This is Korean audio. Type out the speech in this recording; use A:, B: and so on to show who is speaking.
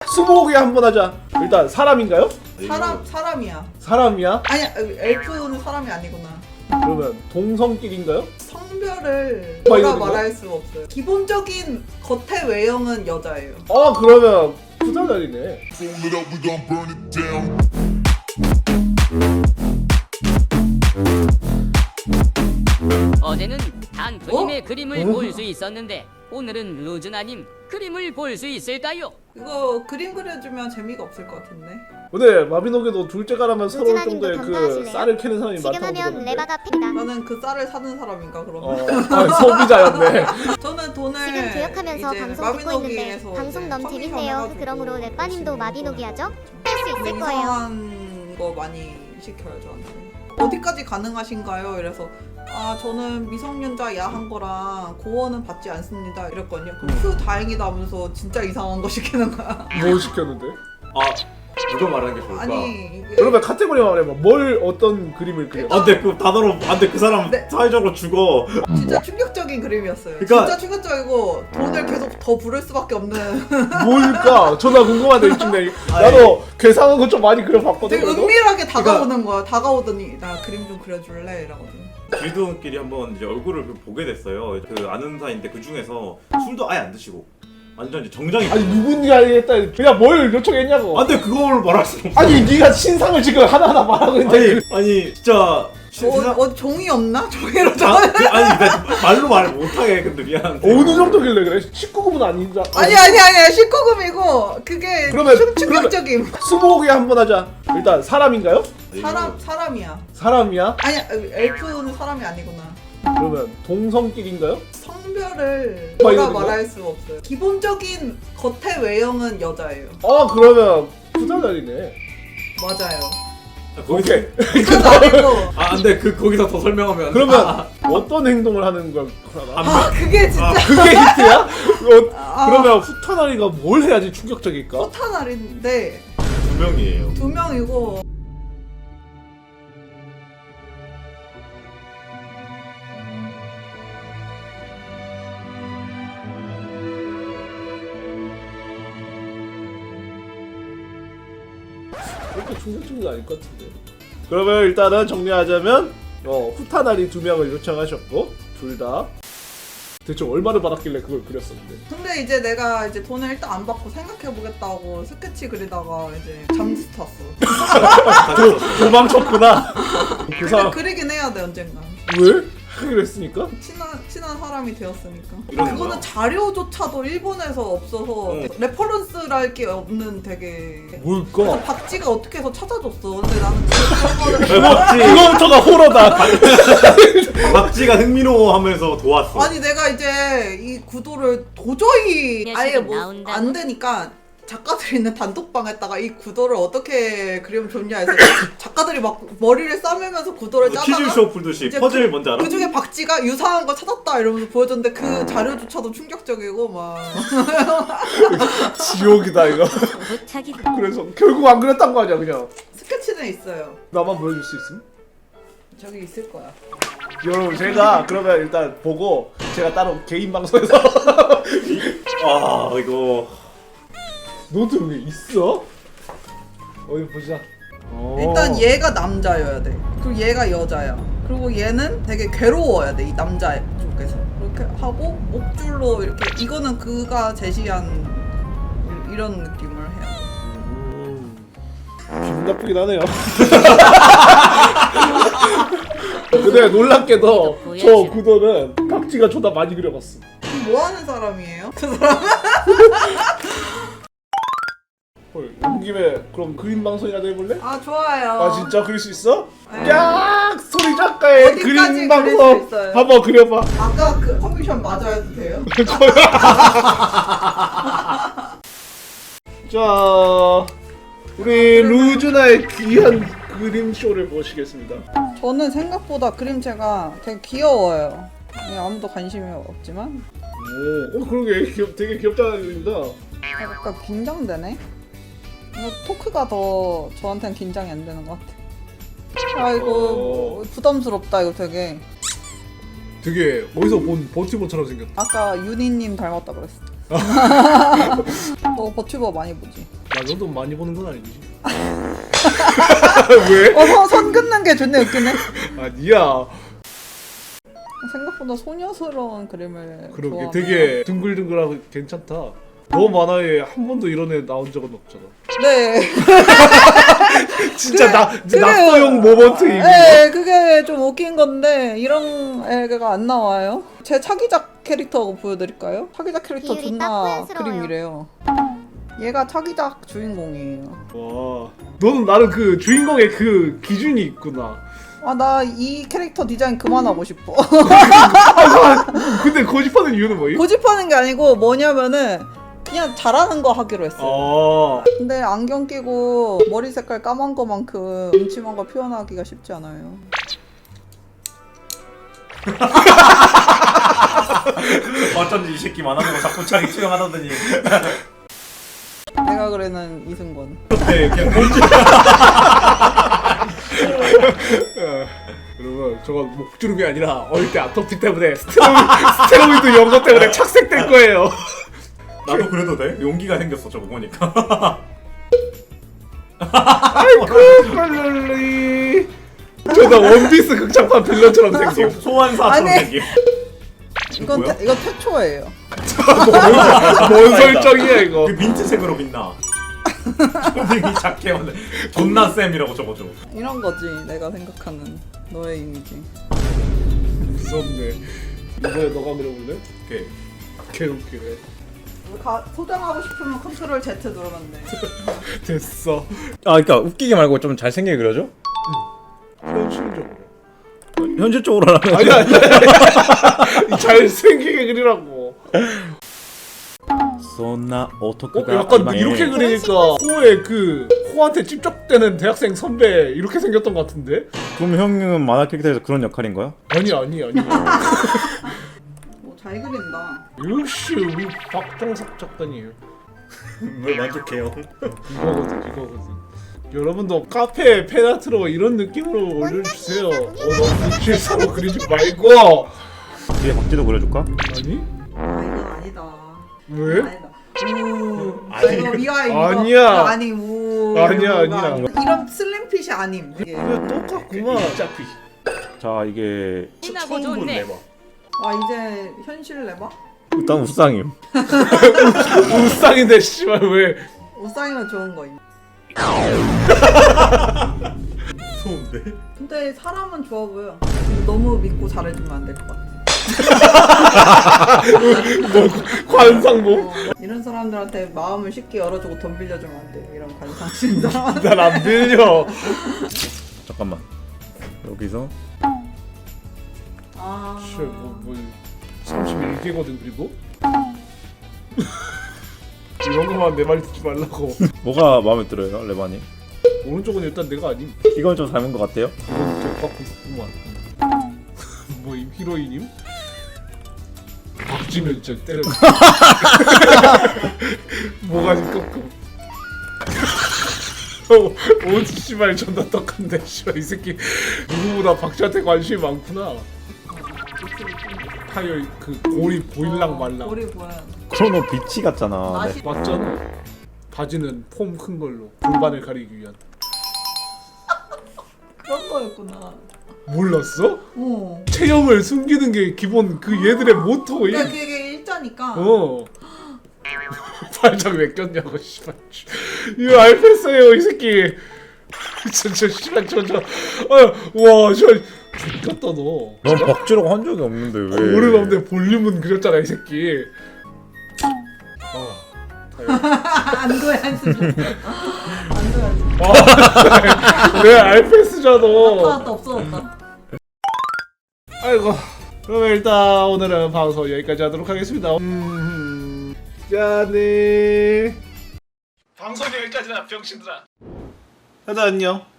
A: 스무고개 한번 하자. 일단 사람인가요?
B: 사람이야.
A: 사람이야?
B: 아니야, 엘프는 사람이 아니구나.
A: 그러면 동성끼리인가요?
B: 성별을
A: 막
B: 뭐라
A: 이러는
B: 말할 수 없어요. 기본적인 겉의 외형은 여자예요.
A: 그러면 부자다리네.
C: Fold it up, we gon' burn it down.
D: 어제는 단프님의 그림을 볼 수 있었는데 오늘은 루즈나님 그림을 볼 수 있을까요?
B: 이거 그림 그려주면 재미가 없을 것 같은데.
A: 근데 마비노기도 둘째 가라면 서러울
E: 루즈나님도
A: 정도의 그
E: 덤벼하실래요?
A: 쌀을 캐는 사람이
E: 지금
A: 많다고
E: 하면
A: 들었는데.
E: 레바가 팩이다.
B: 나는 그 쌀을 사는 사람인가 그러면.
A: 소비자였네.
B: 저는 돈을
E: 지금 교역하면서
B: 이제
E: 방송 듣고 있는데
B: 마비노기에서
E: 방송
B: 이제
E: 너무
B: 커미션
E: 재밌네요.
B: 해가지고
E: 그러므로 랩바님도
B: 열심히
E: 마비노기 하죠?
B: 좀
E: 할 수 있을 거예요.
B: 냉정한 거 많이 시켜요 저한테. 어디까지 가능하신가요? 이래서 저는 미성년자 야한 거랑 고원은 받지 않습니다 이랬거든요. 그럼 휴 다행이다 하면서 진짜 이상한 거 시키는 거야.
A: 뭘 시켰는데?
F: 누가 말하는 게 좋을까?
B: 아니 이게
A: 그러면 카테고리만 말해봐. 뭘 어떤 그림을 그려?
F: 안돼 그 단어로 안돼 그 사람
B: 네.
F: 사회적으로 죽어.
B: 진짜 충격적인 그림이었어요.
F: 그러니까-
B: 진짜 충격적이고 돈을 계속 더 부를 수밖에 없는
A: 뭘까? 저나 궁금한데 이쯤 되 나도 괴상한 거 좀 많이 그려봤거든.
B: 되게
A: 그래도?
B: 은밀하게 다가오는 거야. 다가오더니 나 그림 좀 그려줄래? 이러거든.
F: 길드원끼리 한번 이제 얼굴을 보게 됐어요. 그 아는 사이인데 그 중에서 술도 아예 안 드시고 완전 이제 정장이.
A: 아니 누군지 알겠다. 그냥 뭘 요청했냐고.
F: 안돼 그걸 말할 수 없어.
A: 아니 네가 신상을 지금 하나하나 말하고 있는데.
F: 아니 진짜
B: 어디 종이 없나? 종이로
F: 아니 나 말로 말 못하게 근데 미안한데.
A: 어느 정도길래 그래? 19금은 아닌자.
B: 아니야 19금이고 그게
A: 그러면-
B: 충격적임.
A: 스무고개 한번 하자. 일단 사람인가요?
B: 사람이야.
A: 사람이야?
B: 아니야 엘프는 사람이 아니구나.
A: 그러면 동성끼리인가요?
B: 성별을
A: 막
B: 뭐라
A: 이러는 거야?
B: 말할 수 없어요. 기본적인 겉의 외형은 여자예요.
A: 그러면 부자다리네.
B: 맞아요.
F: 거기서
A: 오케이.
B: 그건 아니고.
F: 안돼 거기서 더 설명하면.
A: 그러면 어떤 행동을 하는 걸 하나?
B: 그게 진짜
A: 그게 힌트야? 그러면 후타나리가 뭘 해야지 충격적일까?
B: 포탄알인데
F: 두 명이에요.
B: 2명이고
A: 그렇게 충격적인 거 아닐 것 같은데. 그러면 일단은 정리하자면 후타나리 2명을 요청하셨고 둘 다 대체 얼마를 받았길래 그걸 그렸었는데.
B: 근데 이제 내가 이제 돈을 일단 안 받고 생각해보겠다고 스케치 그리다가 이제 잠수 탔어.
A: 도망쳤구나. 그
B: 근데
A: 사람
B: 그리긴 해야 돼 언젠가.
A: 왜? 하기로 했으니까?
B: 친한 사람이 되었으니까.
F: 이런
B: 그거는
F: 거야?
B: 자료조차도 일본에서 없어서 레퍼런스랄 게 없는 되게.
A: 뭘까?
B: 박쥐가 어떻게 해서 찾아줬어. 근데 나는
A: 그거부터가 호러다.
F: 박쥐가 흥미로워하면서 도왔어.
B: 아니 내가 이제 이 구도를 도저히 아예
D: 녀석은
B: 뭐
D: 나온다고?
B: 안 되니까 작가들이 있는 단톡방에다가 이 구도를 어떻게 그리면 좋냐 해서 작가들이 막 머리를 싸매면서 구도를
F: 퀴즈
B: 짜다가
F: 쇼 풀듯이
B: 이제
F: 퍼즐 뭔지 알아?
B: 그 중에 박쥐가 유사한 거 찾았다 이러면서 보여줬는데 그 자료조차도 충격적이고 막
A: 지옥이다 이거.
D: 부탁이다.
A: 그래서 결국 안 그렸단 거 아니야 그냥.
B: 스케치는 있어요.
A: 나만 보여줄 수 있음?
B: 저기 있을 거야.
A: 여러분 제가 그러면 일단 보고 제가 따로 개인 방송에서
F: 이거
A: 노트 왜 있어? 어디 보자.
B: 일단 얘가 남자여야 돼. 그리고 얘가 여자야. 그리고 얘는 되게 괴로워야 돼. 이 남자 쪽에서. 그렇게 하고 목줄로 이렇게 이거는 그가 제시한 이런 느낌을 해야 돼.
A: 기분 나쁘긴 하네요. 근데 놀랍게도 저 구도는 박쥐가 존나 많이 그려봤어.
B: 뭐 하는 사람이에요? 그 사람?
A: 헐, 온 김에 그럼 그림 방송이라도 해볼래?
B: 좋아요.
A: 아 진짜 그릴 수 있어?
B: 네.
A: 야 소리 작가의
B: 어디까지
A: 그림
B: 그릴
A: 방송
B: 수 있어요?
A: 한번 그려봐.
B: 아까 그 커미션 맞아야 돼요?
A: 자 우리 루즈나의 귀한 그림 쇼를 보시겠습니다.
B: 저는 생각보다 그림체가 되게 귀여워요. 아무도 관심이 없지만
A: 오, 그러게 되게 귀엽다는 그림이다.
B: 약간 긴장되네? 이거 토크가 더 저한테는 긴장이 안 되는 것 같아. 이거 부담스럽다 이거 되게.
A: 되게 어디서 본 버튜버처럼 생겼다.
B: 아까 윤희님 닮았다 그랬어. 너 버튜버 많이 보지?
A: 나 정도 많이 보는 건 아니지. 왜?
B: 선 긋는 게 존나 웃기네.
A: 아니야.
B: 생각보다 소녀스러운 그림을
A: 그러게
B: 좋아하면
A: 되게 둥글둥글하고 괜찮다. 너 만화에 한 번도 이런 애 나온 적은 없잖아.
B: 네.
A: 진짜
B: 그래요.
A: 낙서용 모먼트 이미.
B: 네, 그게 좀 웃긴 건데 이런 애가 안 나와요. 제 차기작 캐릭터 보여드릴까요? 차기작 캐릭터
E: 비율이
B: 존나
E: 딱 뽀얀스러워요.
B: 그림이래요. 얘가 차기작 주인공이에요.
A: 와, 너는 나는 그 주인공의 그 기준이 있구나.
B: 아, 나 이 캐릭터 디자인 그만하고 싶어.
A: 근데 고집하는 이유는 뭐임?
B: 고집하는 게 아니고 뭐냐면은 그냥 잘하는 거 하기로 했어요. 근데 안경 끼고 머리 색깔 까만 거만큼 음침한 거 표현하기가 쉽지 않아요.
F: 어쩐지 이 새끼 만화는 거 자꾸 자기 투영하다더니.
B: 내가 그래는 이승권.
F: 네, 그냥 뭔지.
A: 여러분, 저건 목주름이 아니라 어릴 때 아토피 때문에 스테로이드 연고 때문에 착색된 거예요.
F: 나도 그래도 돼? 용기가 생겼어 저거 보니까.
A: 아이고 빨리. 저나 원피스 극장판 빌런처럼 생김.
F: 소환사처럼
B: 아니.
F: 생김.
B: 이건
F: 뭐야?
B: 이거 태초예요.
A: 뭔 설정이야 이거.
F: 그 민트색으로 빛나. 초딩이 작게 오늘 존나 쌤이라고 적어줘.
B: 이런 거지 내가 생각하는 너의 이미지.
A: 무섭네. 이번에 너가 그려볼래?
F: 오케이.
A: 개웃기네.
B: 소장하고 싶으면 컨트롤 Z 누르면 돼.
A: 됐어.
G: 아, 그러니까 웃기게 말고 좀 잘생기게 그려줘?
A: 현실적으로.
G: 현실적으로 하면
A: 아니야. 잘생기게 그리라고.
G: 쏘나 어떻게
A: 약간 이렇게 그리니까 코에 그 코한테 찝쩍대는 대학생 선배 이렇게 생겼던 것 같은데?
G: 그럼 형은 만화 캐릭터에서 그런 역할인 거야?
A: 아니.
B: 잘 그린다.
A: 역시 우리 박정석 작가님.
F: 왜 만족해요?
A: 이거거든. 여러분도 카페 페나트로 이런 느낌으로 올려주세요. 너무 실사로 그리지 말고.
G: 뒤에 박쥐도 그려줄까?
A: 아니?
B: 아 이건 아니다.
A: 왜?
B: 아니다. 우.
A: 아니,
B: 이거 미화 이거.
A: 아니야.
B: 아니 우.
A: 아니야.
B: 이런 슬림핏이 아님. 이게.
A: 이거 똑같구만. 어차피.
G: 자, 이게
D: 신나고 좋네.
B: 와 이제 현실 내봐.
G: 일단 우상임.
A: 우상인데 씨발 왜?
B: 옷상이면 좋은 거임.
F: 무서운데?
B: 근데 사람은 좋아 보여. 너무 믿고 잘해주면 안 될 것 같아.
A: 관상모?
B: 이런 사람들한테 마음을 쉽게 열어주고 돈 빌려주면 안 돼. 이런 관상신 사람.
A: 난 안 빌려.
G: 잠깐만. 여기서
B: 아.
A: 씨, 뭐 31개거든 그리고. 이런 거만 내 말 듣지 말라고.
G: 뭐가 마음에 들어요, 레바님?
A: 오른쪽은 일단 내가 아님.
G: 이건 좀 닮은 것 같아요?
A: 이건 격받고 있구만. 뭐임 히로이님? 박쥐면 진짜 때려. 뭐가 좀 꺾고. 옷 씨발 존나 떡한데 씨발 이 새끼 누구보다 박쥐한테 관심이 많구나. 타이어 그 고리 보일랑 말랑.
B: 머리 보여.
G: 크로노 비치 같잖아.
B: 맛이-
A: 맞잖아. 바지는 폼 큰 걸로 골반을 가리기 위한.
B: 그런 거였구나.
A: 몰랐어?
B: 어.
A: 체형을 숨기는 게 기본 그 얘들의 모토임.
B: 그러니까 그게 일자니까.
A: 어. 발작 왜 꼈냐고 씨발. 이거 알겠어요 이 새끼. 저 씨발 와 씨발 죽겠다 너.
G: 넌 박쥐라고 한 적이 없는데 왜?
A: 오래간데 볼륨은 그렸잖아 이 새끼.
B: 안도의 수준. 안도의 수준.
A: 왜 알페스잖아.
B: 나타났다 없어졌다.
A: 아이고. 그러면 일단 오늘은 방송 여기까지 하도록 하겠습니다. 짠해. 방송 여기까지나 병신들아. 다들 안녕.